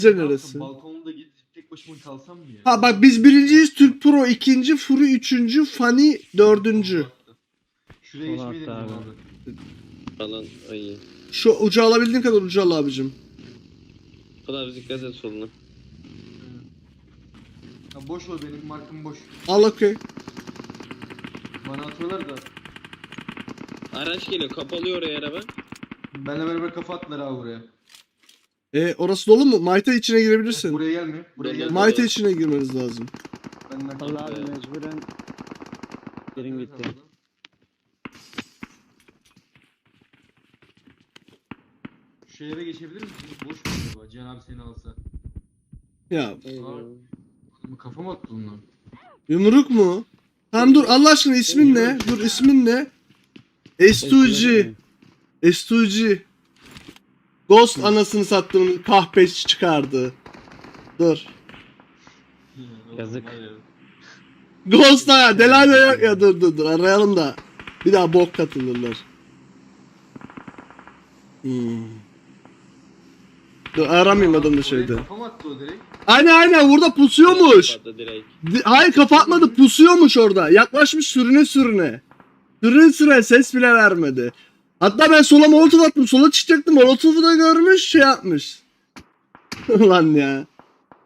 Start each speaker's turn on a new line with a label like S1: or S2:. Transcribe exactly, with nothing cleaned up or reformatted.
S1: neresi?
S2: Balkonda git tek başıma kalsam mı ya?
S1: Ha bak biz birinciyiz, Türk Pro ikinci, Furu üçüncü, Fani dördüncü.
S2: Şuraya
S3: Sol
S2: geçmeyi
S3: altta
S2: deneyeceğim
S3: abi.
S2: abi.
S4: Falan ayı.
S1: Şu ucu alabildiğin kadar ucu al abicim.
S4: Kadar dikkat et soluna.
S2: Ya boş ol, benim markım boş.
S1: Al okey.
S2: Bana atıyorlar da.
S4: Araç geliyor, kapalıyor oraya araba.
S2: Benle beraber kafa attılar abi buraya.
S1: E orası dolu mu? Mayta içine girebilirsin.
S2: Buraya gelmiyor. Buraya
S4: Dolu.
S2: gelmiyor.
S1: Mayta içine girmeniz lazım.
S2: Benden
S3: Allah abi
S4: Evet.
S3: mecburen yerin gitti.
S2: Şu eve geçebilir misin? Boş mu acaba? Cihan abi seni alsa.
S1: Ya
S2: Abi, kafa mı attı bunlar?
S1: yumruk mu? Tamam dur Allah aşkına ismin ne? Dur ismin ne? S iki G. S iki G. Ghost anasını sattığımın kahpeç çıkardı. Dur.
S3: Yazık.
S1: Ghost ha Delale yok ya dur dur dur arayalım da. Bir daha bok katılırlar. Hmm. Dur aramayayım adamı şeyde.
S2: Kafa mı attı o direkt?
S1: Aynen aynen burada pusuyormuş.
S4: Kapattı direkt.
S1: Di- Hayır kapatmadı pusuyormuş orada. Yaklaşmış sürüne sürüne. Sürüne sürüne ses bile vermedi. Hatta ben sola molotof attım. Sola çıkacaktım. Molotofu da görmüş şey yapmış. Ulan ya.